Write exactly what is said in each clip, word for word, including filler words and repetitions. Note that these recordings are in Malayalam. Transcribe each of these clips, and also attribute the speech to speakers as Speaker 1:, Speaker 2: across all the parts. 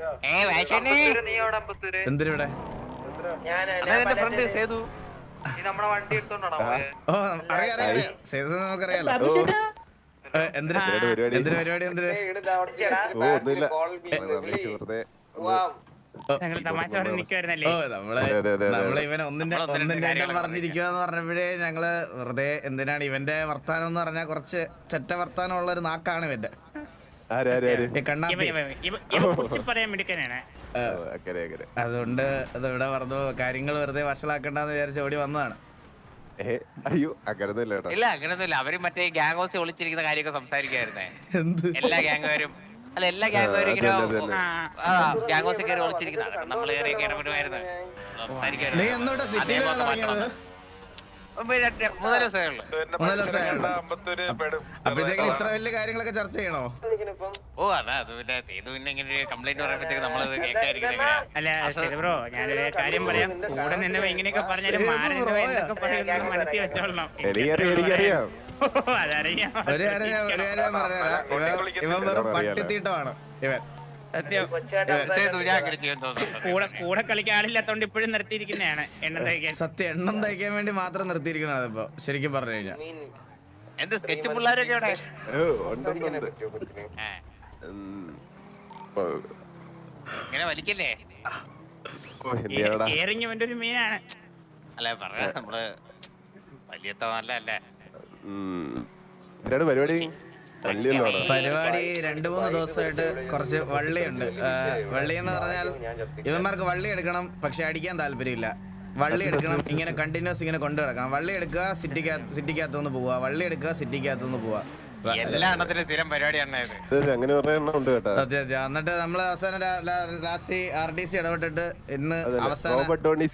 Speaker 1: എന്തിനിവിടെ? ഓ അറിയാം അറിയാം സേതു നമുക്കറിയാലോ. എന്തിനാ എന്തിനു പരിപാടി? എന്തിന്? ഓ നമ്മളെ നമ്മളെ ഇവൻ ഒന്നിന്റെ ഒന്നിന്റെ പറഞ്ഞിരിക്കുക എന്ന് പറഞ്ഞപ്പോഴേ ഞങ്ങള് വെറുതെ എന്തിനാണ് ഇവന്റെ വർത്താനം എന്ന് പറഞ്ഞാൽ കുറച്ച് ചെറ്റ വർത്താനം ഉള്ള ഒരു നാക്കാണ് ഇവന്റെ. അതുകൊണ്ട് അതിവിടെ പറഞ്ഞു കാര്യങ്ങൾ വെറുതെ വഷളാക്കണ്ടെന്ന് വിചാരിച്ച് ഓടി വന്നതാണ്.
Speaker 2: അയ്യോ അങ്ങനൊന്നുമില്ല.
Speaker 3: ഇല്ല അങ്ങനൊന്നുമില്ല. അവര് മറ്റേ ഗ്യാങ് ഹൗസ് ഒളിച്ചിരിക്കുന്ന കാര്യമൊക്കെ സംസാരിക്കായിരുന്നേ. എല്ലാ ഗ്യാങ്ങുകാരും അല്ല എല്ലാ ഗ്യാങ്ങുകാരും ഇങ്ങനെ ഗ്യാങ് ഹൗസിൽ കയറി ഒളിച്ചിരിക്കുന്നതാണ്. നമ്മൾ കയറി ഇടപെടുമായിരുന്നു, സംസാരിക്കായിരുന്നു. മൂന്നാല് ദിവസമേ ഉള്ളൂ.
Speaker 1: അപ്പോഴത്തേക്കും ഇത്ര വലിയ കാര്യങ്ങളൊക്കെ ചർച്ച ചെയ്യണോ?
Speaker 3: ഓ അതാ അത് പിന്നെ ചെയ്തു. പിന്നെ ഇങ്ങനെ കംപ്ലൈന്റ് പറയുമ്പോഴത്തേക്ക് നമ്മളത് കേൾക്കാതിരിക്കുന്നത്.
Speaker 4: അല്ല ബ്രോ ഞാനൊരു കാര്യം പറയാം. കൂടെ നിന്ന് ഇങ്ങനെയൊക്കെ പറഞ്ഞാലും മാറി എന്തൊക്കെ പറയുന്നത് മനസ്സിൽ വെച്ചോളണം.
Speaker 2: എനിക്കറിയാം.
Speaker 1: ഒരു കാര്യം ഒരു കാര്യം പറഞ്ഞുതരാം. ഇവൻ വെറും പട്ടിത്തീട്ടമാണ് ഇവൻ.
Speaker 4: സത്യം കൂടെ കൂടെ കളിക്കാൻ ആളില്ലാത്തോണ്ട് ഇപ്പോഴും നിർത്തിയിരിക്കുന്നതാണ് എണ്ണം തയ്ക്കാൻ.
Speaker 1: സത്യം എണ്ണം തയ്ക്കാൻ വേണ്ടി മാത്രം നിർത്തിയിരിക്കണത് ഇപ്പൊ ശരിക്കും പറഞ്ഞു കഴിഞ്ഞാൽ.
Speaker 3: എന്ത് സ്കെച്ച് പിള്ളേരൊക്കെ ഇവിടെ ഇങ്ങനെ വലിക്കല്ലേ?
Speaker 4: കേറിങ് അവന്റെ ഒരു മീനാണ്.
Speaker 3: അല്ല പറയാ നമ്മള് വലിയത്ത നല്ലല്ലേ
Speaker 2: പരിപാടി.
Speaker 1: പരിപാടി രണ്ടു മൂന്ന് ദിവസമായിട്ട് കുറച്ച് വള്ളിയുണ്ട്. വള്ളി എന്ന് പറഞ്ഞാൽ ഇവന്മാർക്ക് വള്ളി എടുക്കണം, പക്ഷെ അടിക്കാൻ താല്പര്യമില്ല. വള്ളി എടുക്കണം, ഇങ്ങനെ കണ്ടിന്യൂസ് ഇങ്ങനെ കൊണ്ടു കിടക്കണം. വള്ളി എടുക്കുക, സിറ്റിക്കകത്ത് സിറ്റിക്കകത്തുനിന്ന് പോവുക, വള്ളി എടുക്കുക, സിറ്റിക്കകത്തുനിന്ന് പോവുക. അതെ അതെ. എന്നിട്ട് നമ്മള് അവസാനം ലാസ്റ്റ് ആർ ഡി സി ഇടപെട്ടിട്ട് ഇന്ന് അവസാനം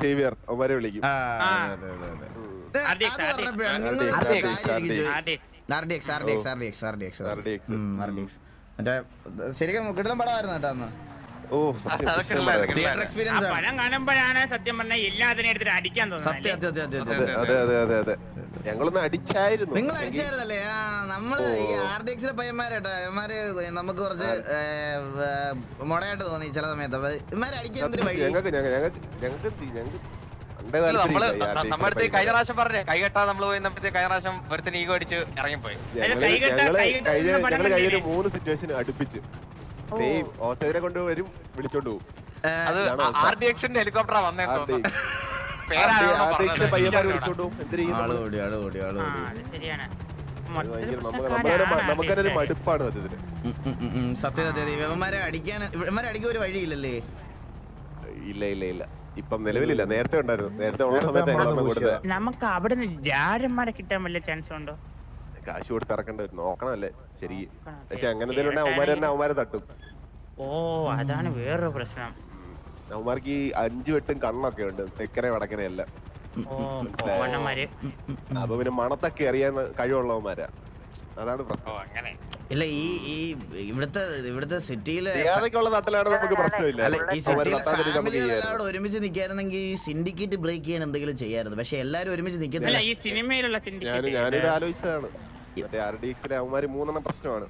Speaker 1: ശരിക്കും കിടലം പടമായിരുന്നു കേട്ടോ അന്ന്. തിയേറ്റർ എക്സ്പീരിയൻസ്
Speaker 4: പടം കാണുമ്പോഴാണ് സത്യം പറഞ്ഞാൽ എല്ലാത്തിനും എടുത്തിട്ട് അടിക്കാൻ തോന്നുന്നത്.
Speaker 2: ഞങ്ങളൊന്ന് അടിച്ചായിരുന്നു.
Speaker 1: നിങ്ങൾ അടിച്ചായിരുന്നല്ലേ? ആ നമ്മള് ഈ ആർ ഡി എക്സിലെ പയ്യന്മാരേട്ടാ ഇവന്മാര് നമുക്ക് കുറച്ച് മുടയായിട്ട് തോന്നി ചില സമയത്ത്. ഇവന്മാര് അടിക്കാൻ എന്തൊരു വഴി.
Speaker 3: നമ്മുടെ കഴിഞ്ഞ പ്രാവശ്യം പറഞ്ഞേ കൈ കെട്ടാ നമ്മള് പോയി കഴിഞ്ഞ പ്രാവശ്യം ഒരുത്തിന് ഈഗോ അടിച്ച് ഇറങ്ങിപ്പോയി.
Speaker 2: ഞങ്ങള് മൂന്ന് സിറ്റുവേഷൻ അടുപ്പിച്ച് ഓസ്ട്രേലിയ കൊണ്ട് വരും വിളിച്ചോണ്ട് പോകും.
Speaker 3: അത് ആർ ഡി എക്സിന്റെ ഹെലികോപ്റ്ററാ വന്നേക്കോ.
Speaker 2: നമുക്കൊരു മടുപ്പാണ് സത്യത്തിന്.
Speaker 1: സത്യ സത്യ ഇവന്മാരെ അടിക്കാൻ ഇവന്മാരെ അടിക്കാൻ ഒരു വഴിയില്ലല്ലേ?
Speaker 2: ഇല്ല ഇല്ല ഇല്ല ഇപ്പം നിലവിലില്ല. നേരത്തെ ഉണ്ടായിരുന്നു. നേരത്തെ ഉള്ള സമയത്ത്
Speaker 4: നമുക്ക് അവിടെ രാരന്മാരെ കിട്ടാൻ വല്ല ചാൻസ് ഉണ്ടോ?
Speaker 2: കാശ് കൊടുത്ത് ഇറക്കേണ്ടി വരും. നോക്കണല്ലേ ശരി. പക്ഷെ അങ്ങനെ എന്തെങ്കിലും അവന്മാര് തന്നെ അവന്മാരെ തട്ടും.
Speaker 4: ഓ അതാണ് വേറൊരു പ്രശ്നം.
Speaker 2: അവന്മാർക്ക് ഈ അഞ്ചു വെട്ടും കണ്ണൊക്കെ ഉണ്ട്, തെക്കനെ വടക്കനെ എല്ലാം. അപ്പൊ പിന്നെ മണത്തൊക്കെ അറിയാൻ കഴിവുള്ളവന്മാരാ. അതാണ് പ്രശ്നം.
Speaker 1: ഇല്ല ഈ ഈ ഇവിടുത്തെ ഇവിടുത്തെ സിറ്റിയില്
Speaker 2: നാട്ടിലാണ് നമുക്ക് പ്രശ്നമില്ല.
Speaker 1: ഈ സിറ്റിയിലെ ഒരുമിച്ച് നിൽക്കായിരുന്നെങ്കിൽ ഈ സിൻഡിക്കേറ്റ് ബ്രേക്ക് ചെയ്യാൻ എന്തെങ്കിലും ചെയ്യായിരുന്നു. പക്ഷെ എല്ലാരും ഒരുമിച്ച് നിൽക്കുന്നില്ല.
Speaker 4: ഈ സിനിമയിലുള്ള
Speaker 2: ഞാനിത് ആലോചിച്ചതാണ്. മറ്റേ ആർ ഡി എക്സിലെ അവന്മാര് മൂന്നെണ്ണം പ്രശ്നമാണ്.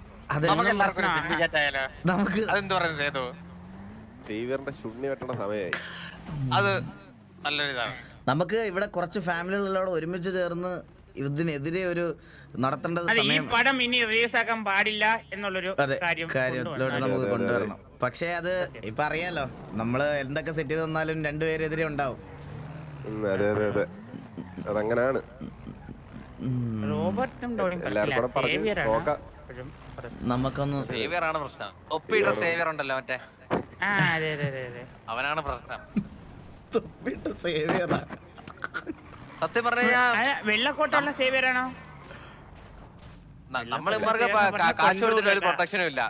Speaker 1: നമുക്ക്
Speaker 2: സേവിയറിന്റെ ശുണ്ണി വെട്ടണ സമയമായി.
Speaker 3: അത് നല്ലൊരു ഇതാണ്.
Speaker 1: നമുക്ക് ഇവിടെ കുറച്ച് ഫാമിലികളോട് ഒരുമിച്ച് ചേർന്ന് ഇതിനെതിരെ ഒരു നടത്തേണ്ടത്
Speaker 4: ഈ പടം ഇനി റിലീസ് ആക്കാൻ പാടില്ല എന്നുള്ളൊരു
Speaker 1: കാര്യത്തിലോട്ട് നമുക്ക് കൊണ്ടുവരണം. പക്ഷെ അത് ഇപ്പൊ അറിയാലോ, നമ്മള് എന്തൊക്കെ സെറ്റ് ചെയ്ത് തന്നാലും രണ്ടുപേരെതിരെ ഉണ്ടാവും.
Speaker 2: അതെ അതെ അതെ അതങ്ങനാണ്.
Speaker 1: നമുക്കൊന്ന്
Speaker 3: സേവിയറാണ് പ്രശ്നം. ഒപ്പിട്ട സേവിയർ ഉണ്ടല്ലോ മറ്റേ, അവനാണ് പ്രശ്നം. സത്യം പറഞ്ഞാ
Speaker 4: വെള്ളക്കോട്ടുള്ള സേവിയറാണോ?
Speaker 3: നമ്മൾ കാശ് കൊടുത്തിട്ട് ഒരു പ്രൊട്ടക്ഷനും ഇല്ല.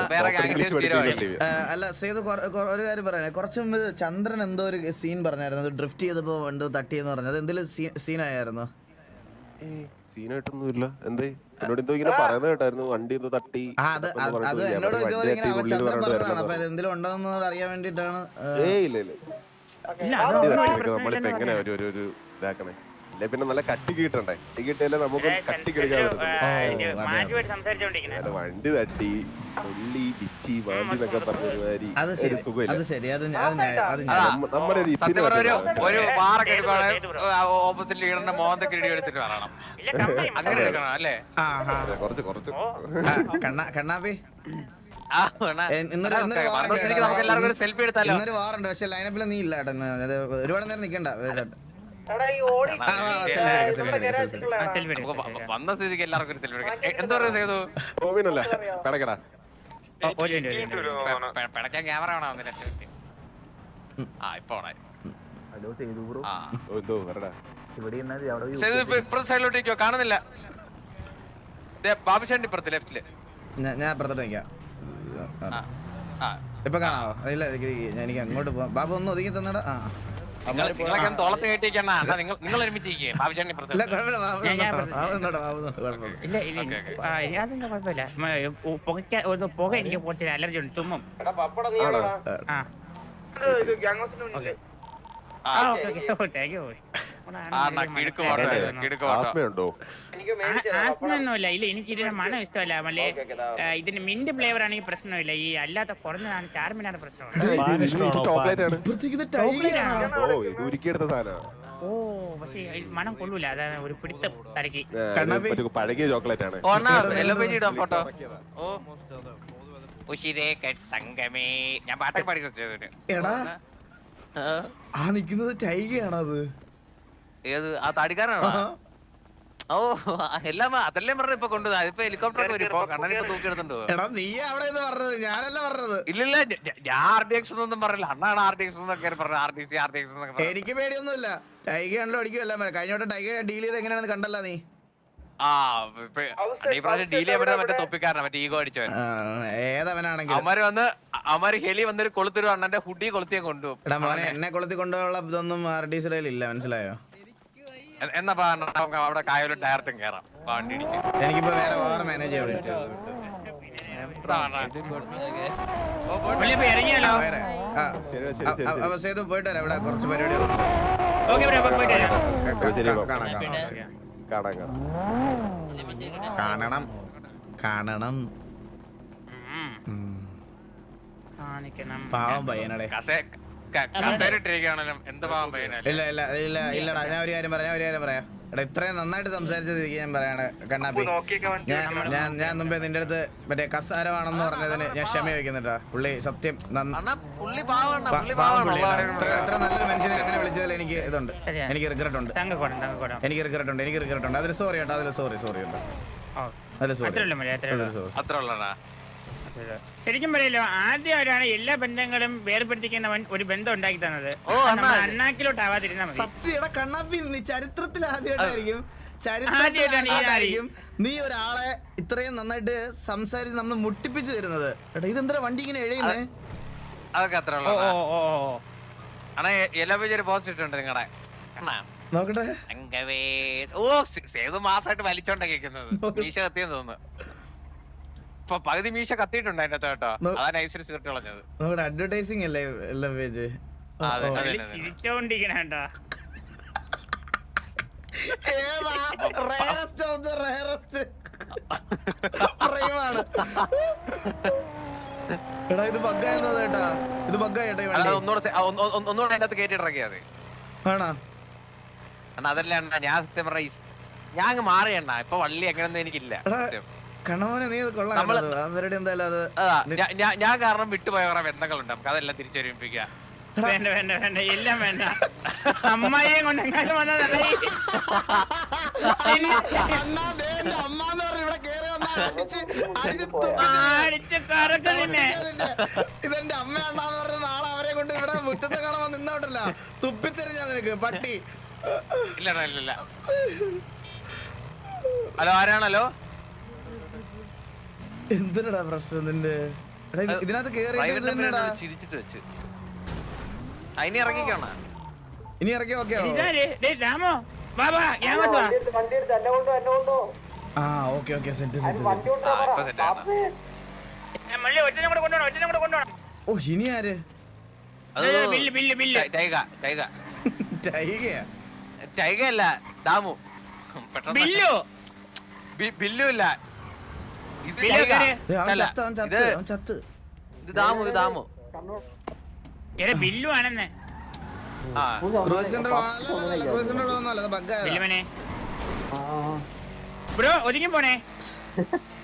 Speaker 1: അല്ല സേതു ഒരു കാര്യം പറയാനേ, കുറച്ച് മുമ്പ് ചന്ദ്രൻ എന്തോ ഒരു സീൻ പറഞ്ഞായിരുന്നു, ഡ്രിഫ്റ്റ് ചെയ്തപ്പോ എന്തോ തട്ടിയെന്ന് പറഞ്ഞത്. എന്തെങ്കിലും സീനായിരുന്നു?
Speaker 2: സീനായിട്ടൊന്നുമില്ല. എന്തേ എന്നോട് എന്തോ ഇങ്ങനെ പറയുന്നത് കേട്ടായിരുന്നു, വണ്ടി എന്തോ തട്ടി.
Speaker 1: അത് എന്നോട് ചന്ദ്രൻ പറഞ്ഞതാണ്. അപ്പൊ എന്തെങ്കിലും ഉണ്ടോന്ന് അറിയാൻ വേണ്ടിട്ടാണ്.
Speaker 2: ഏ ഇല്ല ഇല്ല നമ്മളിപ്പോ എങ്ങനെ ഒരു ഇതാക്കണേ. അല്ലെ പിന്നെ നല്ല കട്ടിക്ക് കിട്ടണ്ടേ കട്ടി കിട്ടിയാലേ നമുക്ക് കട്ടിക്ക് എടുക്കാൻ പറ്റും.
Speaker 4: മാറ്റുമായിട്ട് സംസാരിച്ചോണ്ടിരിക്കണേ
Speaker 2: വണ്ടി തട്ടി പുള്ളി പിച്ചി വാണ്ടി എന്നൊക്കെ പറഞ്ഞ ഒരുമാതിരി
Speaker 1: അത്
Speaker 2: ഒരു
Speaker 1: ശരി
Speaker 2: സുഖമില്ല.
Speaker 1: അത് ശരി അത് ഞാൻ- അത് ഞാൻ- അത് ഞാൻ-
Speaker 3: അതാ.
Speaker 2: നമ്മ- നമ്മുടെ ഒരു
Speaker 3: സത്യം
Speaker 2: ഇത്തിരി
Speaker 3: പറഞ്ഞ ഒരു
Speaker 2: പറ്റില്ല.
Speaker 3: ഒരു വാറൊക്കെ എടുക്കുവാണെങ്കിൽ ഓപ്പോസിറ്റ് ലീഡറിന്റെ മോന്തൊക്കെ ഇടി എടുത്തിട്ട് പറയണം. അങ്ങനെ എടുക്കണം അല്ലേ?
Speaker 1: ആ ആ
Speaker 2: അതെ, കുറച്ച് കുറച്ച്
Speaker 1: ആ, കണ്ണാ കണ്ണാപ്പി
Speaker 3: ആ, വേണം.
Speaker 1: എ, ഇന്നൊരു ഇന്നൊരു
Speaker 3: ഓക്കേ,
Speaker 1: വാറുണ്ട്
Speaker 3: മറുപടിക്ക്
Speaker 1: കേട്ടോ.
Speaker 3: നമുക്ക് എല്ലാവർക്കും ഒരു സെൽഫി എടുത്താലോ?
Speaker 1: ഇന്നൊരു വാറുണ്ട് പക്ഷെ ലൈനപ്പിൽ നീ ഇല്ല കേട്ടോ ഇന്ന്. അത് ഒരുപാട് നേരം നിക്കണ്ട ആ, ആ, selfie എടുക്കാം, selfie എടുക്കാം, selfie എടുക്കാം.
Speaker 3: നമുക്ക് വ- വന്ന സ്ഥിതിക്ക് എല്ലാവർക്കും ഒരു സെൽഫി എടുക്കാം. എ, എന്താ പറയുക സേതു?
Speaker 2: ഓവിനല്ല കടക്കടാ
Speaker 3: പെ- പിടയ്ക്കാൻ ക്യാമറ വേണം ഒന്ന് രണ്ട് മിനിറ്റ്. ആ ഇപ്പൊ ഓണായി. ആ
Speaker 2: ഓ, എന്തോ വരടാ
Speaker 3: സേതു ഇപ്പൊ ഇപ്പുറത്തെ സൈഡിലോട്ടേക്കോ കാണുന്നില്ല. ദേ, ബാബുശാന്റെ ഇപ്പുറത്ത് ലെഫ്റ്റില്.
Speaker 1: ഞാൻ ഞാൻ അപ്പുറത്തോട്ട് നിൽക്കാം.
Speaker 3: ആ ആ
Speaker 1: ഇപ്പൊ കാണാവോ? ഇല്ല എനിക്ക് എനിക്ക് അങ്ങോട്ട് പോവാം. ബാബു ഒന്ന് ഒതുങ്ങി തന്നടാ. ആ
Speaker 3: നിങ്ങൾ നിങ്ങളൊക്കെ ഒന്ന് തോളത്ത് കയറ്റിയേക്കണ നിങ്ങൾ നിങ്ങൾ ഒരുമിച്ചിരിക്കേ ബാബുശാന്റെ ഇപ്പുറത്ത്.
Speaker 1: ഇല്ല കുഴപ്പമില്ല ബാബു
Speaker 4: ഞാൻ- ഞാൻ
Speaker 1: നിന്നോട്ടെ, ബാബു നിന്നോട്ടെ, ബാബു നിന്നോട്ടെ, കുഴപ്പമില്ല.
Speaker 4: ഇല്ല ഇല്ല
Speaker 3: ഓക്കേ, ഓക്കേ.
Speaker 4: ആ, ഇനി അതൊന്നും കുഴപ്പമില്ല മ, ഉ- പുകയ്ക്ക ഒന്ന് പുക എനിക്ക് കുറച്ച് അലർജി ഉണ്ട് തുമ്മും
Speaker 2: ആണോ
Speaker 4: ആ
Speaker 3: ആ
Speaker 4: ആ ഓക്കെ ഓക്കെ താങ്ക് യു
Speaker 3: ആ എന്നാ കിടുക്ക് പോട്ടെ കിടുക്ക് പോട്ടോ.
Speaker 2: ആസ്മയുണ്ടോ
Speaker 4: ആസ്മയൊന്നുമില്ല ഇല്ല എനിക്ക് ഇതിന്റെ മണം ഇഷ്ടമല്ല മല്ലേ ഇതിന് മിന്റ് ഫ്ലേവർ ആണെങ്കിൽ പ്രശ്നമില്ല ഈ അല്ലാത്ത കുറഞ്ഞതാണ് ചാർമിനാണ് പ്രശ്നമാണ്
Speaker 2: ചോക്ലേറ്റ് ആണ്
Speaker 1: ഇപ്പുറത്തേക്ക് ഇത് tiger ആണോ?
Speaker 2: ഓ ഇത് ഉരുക്കിയെടുത്ത സാധനമാണ്
Speaker 4: ഓ പക്ഷേ ഈ മണം കൊള്ളൂല അതാണ് ഒരു പിടുത്തം തരക്കി
Speaker 1: കണ്ണാപ്പി.
Speaker 2: ഒരു പഴകിയ ചോക്ലേറ്റ് ആണ്
Speaker 3: ഓ എന്നാ എല്ലോ പേജ് ഇടാം ഫോട്ടോ. ഓ ഉശിരേ തങ്കമേ ഞാൻ പാട്ടൊക്കെ പാടി കുറച്ചതിന്.
Speaker 1: എടാ ആ നിക്കുന്നത് ടൈഗയാണോ അത്?
Speaker 3: ഏത് ആ താടിക്കാരനാണോ? ഓ എല്ലാം അതല്ലേ പറഞ്ഞ ഇപ്പൊ കൊണ്ടുപോകും. അതിപ്പോ ഹെലികോപ്റ്റർ ഒക്കെ വരും. ഇപ്പൊ കണ്ണനെ ഇപ്പൊ തൂക്കിയെടുത്തുണ്ടോ?
Speaker 1: എടാ നീ അവിടെ ഇത് പറഞ്ഞത് ഞാനല്ല പറഞ്ഞത്.
Speaker 3: ഇല്ലില്ല ഞ- ഞ- ഞാൻ ആർ ഡി എക്സ് ഒന്നും പറഞ്ഞില്ല. അണ്ണാണ് ആർ ഡി എക്സ് എന്നൊക്കെ പറഞ്ഞു. R D C R D X എന്നൊക്കെ പറഞ്ഞു.
Speaker 1: എനിക്ക് പേടിയൊന്നുമില്ല. ടൈഗയാണല്ലോ അടിക്കുമല്ല. കഴിഞ്ഞ വട്ടം ടൈഗ ഡീൽ ചെയ്ത് എങ്ങനെയാണെന്ന് കണ്ടല്ല നീ?
Speaker 3: ആ ഇപ്പൊ ഈ പ്രാവശ്യം ഡീൽ ചെയ്യാൻ പറ്റുന്ന മറ്റേ തൊപ്പിക്കാരനാ മറ്റേ ഈഗോ അടിച്ചവൻ.
Speaker 1: ആ, ഏതവനാണെങ്കിലും.
Speaker 3: അവന്മാര് വന്ന് അവന്മാര് ഹെലി വന്നൊരു കൊളുത്തൊരു അണ്ണന്റെ ഹുഡി കൊളുത്തിയെ കൊണ്ടുപോകും.
Speaker 1: എടാ മോനെ എന്നെ കൊളുത്തി കൊണ്ടുപോയുള്ള ഇതൊന്നും ആർ ഡി സിയുടെ ഇല്ല, മനസ്സിലായോ?
Speaker 3: എ- എന്നാ പാ അണ്ണാ, നമുക്ക് അവിടെ കായലും ഡയറക്റ്റും കേറാം. വണ്ടി ഇടിച്ച്
Speaker 1: എനിക്കിപ്പോ വേറെ വേറെ മാനേജ് ചെയ്യണം.
Speaker 3: ഇതാ അണ്ണാ. ഓ, പോയിട്ട്
Speaker 4: പുള്ളി ഇപ്പൊ ഇറങ്ങിയാലോ
Speaker 1: വേറെ ആ
Speaker 2: ശരി ശരി ശരി
Speaker 1: അ- അ- സേതു പോയിട്ട് വരാം. ഇവിടെ കുറച്ച് പരിപാടികളുണ്ട്.
Speaker 4: ഓക്കെ പോയിട്ട് വരാം
Speaker 1: ക-
Speaker 2: ശരി,
Speaker 1: ക-
Speaker 2: പോ.
Speaker 1: കാണാം കാണാം
Speaker 2: കാണാം കാണാം
Speaker 1: കാണണം കാണണം.
Speaker 4: ഉം.
Speaker 1: ഉം.
Speaker 4: കാണിക്കണം
Speaker 1: പാവം പയ്യനടെ.
Speaker 3: കസേ- ക- കസേരയിട്ടിരിക്കുകയാണെങ്കിലും എന്ത് പാവം പയ്യനല്ലേ.
Speaker 1: ഇല്ല ഇല്ല ഇല്ല ഇല്ലടാ ഞാൻ ഒരു കാര്യം പറയാം ഞാൻ ഒരു കാര്യം പറയാം. എടാ ഇത്രയും നന്നായിട്ട് സംസാരിച്ചത് ഞാൻ പറയാണ് കണ്ണാപ്പി. ഞാൻ ഞാൻ ഞാൻ മുമ്പേ നിന്റെ അടുത്ത് മറ്റേ കസാരമാണെന്ന് പറഞ്ഞതിന് ഞാൻ ക്ഷമ ചോദിക്കുന്നുണ്ടാ. പുള്ളി സത്യം നന്ന-
Speaker 3: അണ്ണാ പുള്ളി പാവാണ്
Speaker 1: പ-
Speaker 3: പുള്ളി
Speaker 1: പാവം
Speaker 3: പാവാണ്.
Speaker 1: പുള്ളിയാണ്. ഇത്ര ഇത്ര നല്ലൊരു മനുഷ്യനെ അങ്ങനെ വിളിച്ചതിൽ എനിക്ക് ഇതുണ്ട്.
Speaker 4: ശരിയാ.
Speaker 1: എനിക്ക് റിഗ്രറ്റ് ഉണ്ട്.
Speaker 4: തങ്കക്കോടം തങ്കക്കോടം
Speaker 1: എനിക്ക് റിഗ്രറ്റ് ഉണ്ട്. എനിക്ക് റിഗ്രറ്റ് ഉണ്ട്. അതിൽ സോറി കേട്ടോ. അതിൽ സോറി സോറി കേട്ടോ.
Speaker 4: ഓ
Speaker 1: അതിൽ സോറി.
Speaker 4: അത്രേ ഉള്ളൂ മതി അത്രേ ഉള്ളൂ
Speaker 1: അതിൽ സോറി.
Speaker 3: അത്ര ഉള്ളണ്ണാ.
Speaker 4: ശരിക്കും പറയല്ലോ ആദ്യമായിട്ടാണ് എല്ലാ ബന്ധങ്ങളും വേർപെടുത്തിക്കുന്നവൻ ഒരു ബന്ധം ഉണ്ടാക്കി തന്നത്.
Speaker 3: ഓ,
Speaker 4: നമ്മൾ
Speaker 3: അണ്ണാ.
Speaker 4: അണ്ണാക്കിലോട്ട് ആവാതിരുന്നാ മതി.
Speaker 1: സത്യയുടെ കണ്ണാപ്പി നീ ചരിത്രത്തിൽ ആദ്യമായിട്ടായിരിക്കും
Speaker 4: ആദ്യമായിട്ടാണ് ഈ
Speaker 1: ചരിത്രത്തിലായിരിക്കും നീ ഒരാളെ ഇത്രയും നന്നായിട്ട് സംസാരിച്ച് നമ്മൾ മുട്ടിപ്പിച്ചു തരുന്നത്. എടാ ഇതെന്താ വണ്ടി ഇങ്ങനെ എഴുതുന്നേ?
Speaker 3: അതൊക്കെ അത്ര
Speaker 4: ഓ
Speaker 3: ഉള്ളൂ
Speaker 4: ഓ ഓ ഓ.
Speaker 3: അണ്ണാ. എല്ലാ പേജ് ഒരു പോസ്റ്റ് ഇട്ടുണ്ട് നിങ്ങളുടെ അണ്ണാ.
Speaker 1: നോക്കട്ടെ.
Speaker 3: തങ്കവേ ഓ സേ- സേതു മാസമായിട്ട് വലിച്ചോണ്ടാ കേൾക്കുന്നത്. മീശ കത്തിയെന്ന് തോന്നുന്നു. ഇപ്പൊ പകുതി മീശ കത്തിയിട്ടുണ്ട് അതിന്റെ അകത്ത് കേട്ടോ.
Speaker 1: നോ-
Speaker 3: അതാ നൈസിൽ സിഗരറ്റ് കളഞ്ഞത്.
Speaker 1: നോക്കട്ടെ അഡ്വർടൈസിങ് അല്ലേ എല്ലാ പേജ്?
Speaker 3: ആ, അതെ, അതെ,
Speaker 4: പുള്ളി
Speaker 3: അതെ.
Speaker 4: ചിരിച്ചോണ്ടിരിക്കണ കേട്ടോ.
Speaker 1: ഏതാ റയറസ്റ്റ് ഓഫ് ദ റയറസ്റ്റ് ഫ്രെയിമാണ്. എടാ ഇത് ബഗ്ഗായെന്നോ ചേട്ടാ? ഇത് ബഗ്ഗായിട്ടാ ഈ
Speaker 3: അല്ല
Speaker 1: വണ്ടി?
Speaker 3: ഒന്നുകൂടെ സെ- ആ, ഒന്ന്- ഒന്ന് ഒന്നുകൂടെ അതിന്റെ അകത്ത് കയറ്റി ഇറക്കിയത്.
Speaker 1: ആണോ?
Speaker 3: അണ്ണാ അതല്ല അണ്ണാ ഞാൻ സത്യം പറഞ്ഞ ഞാൻ അങ്ങ് മാറിയണ്ണ. ഇപ്പൊ വള്ളി എങ്ങനെയൊന്നും എനിക്കില്ല.
Speaker 1: എടാ,
Speaker 3: സത്യം.
Speaker 1: കണവനെ നീ ഇത് കൊള്ളാം
Speaker 3: നമ്മള്
Speaker 1: കേട്ടോ. അവരുടെ എന്തായാലും അത്
Speaker 3: അതാ ഞാ- ഞാ- ഞാൻ കാരണം വിട്ടുപോയ കുറെ ബന്ധങ്ങളുണ്ട്. നമുക്ക് അതെല്ലാം തിരിച്ചൊരുമിപ്പിക്കുക.
Speaker 4: വേണ്ട വേണ്ട വേണ്ട എല്ലാം വേണ്ട. അമ്മായിയെ കൊണ്ട് എങ്ങാനും വന്നതല്ല ഈ.
Speaker 1: അണ്ണാ ദേ എന്റെ അമ്മാന്ന് പറഞ്ഞ് ഇവിടെ കേറി വന്നാ അടിച്ച് അടിച്ച് തുപ്പി
Speaker 4: അടിച്ച് കറക്കലിനെ
Speaker 1: ഇതിന്റെ- ഇതെന്റെ അമ്മയാണ്ടാന്ന് പറഞ്ഞ നാളെ അവരെ കൊണ്ട് ഇവിടെ മുറ്റത്ത് കാണാൻ നിന്നോട്ടല്ല തുപ്പിത്തെറിഞ്ഞാ നിനക്ക് പട്ടി.
Speaker 3: ഇല്ല അണ്ണാ, ഇല്ല ഇല്ല. ഹലോ ആരാണല്ലോ?
Speaker 1: എന്തിനടാ പ്രശ്നം നിന്റെ? എടാ, ഇത് ഇതിനകത്ത് കേറിയിട്ട് ഇത്
Speaker 3: പ്രൈവറ്റ്
Speaker 1: തന്നെടാ.
Speaker 3: നമ്പർ ചിരിച്ചിട്ട് വെച്ച് അതിനെ ഇറങ്ങിക്കോണ.
Speaker 1: ഇനി ഇറക്കി ഓക്കെ
Speaker 4: ഇതാര്? ഡേയ് രാമോ ബാബാ ഞാൻ വാ.
Speaker 1: ആ ഓക്കെ ഓക്കെ സെറ്റ് സെറ്റ്
Speaker 3: ഇപ്പൊ സെറ്റ് ആണ്.
Speaker 4: ഞാൻ മള്ളി ഒറ്റനെ കൂടെ കൊണ്ടുപോകണം ഒറ്റനെ കൂടെ കൊണ്ടുപോകണം.
Speaker 1: ഓ ഇനി ആര്?
Speaker 3: അത്
Speaker 4: ബില്ല് ബില്ല് ബില്ല്.
Speaker 3: ടൈഗ ടൈഗ
Speaker 1: ടൈഗയാ?
Speaker 3: ടൈഗ അല്ല ദാമു പെട്ടെന്ന്
Speaker 4: ബില്ലു
Speaker 3: ബി- ബില്ലു ഇല്ല ഇത്
Speaker 4: ബില്ലു
Speaker 3: ജൈക.
Speaker 4: കേറ്.
Speaker 1: ഏ, അവൻ
Speaker 3: അല്ല,
Speaker 1: ചത്ത് അവൻ ചത്ത്
Speaker 3: ഇത്
Speaker 1: അവൻ ചത്ത്
Speaker 3: ഇത് ദാമു ഇത് ദാമു
Speaker 4: എടാ ബില്ലു ആണെന്ന്
Speaker 3: ആ
Speaker 1: ക്രൂസ് കൺട്രോൾ ക്രൂസ് കൺട്രോൾ ഒന്നും അല്ല ബഗ്ഗാ
Speaker 4: ബില്ലുമനെ ബ്രോ ഒതുങ്ങി പോണേ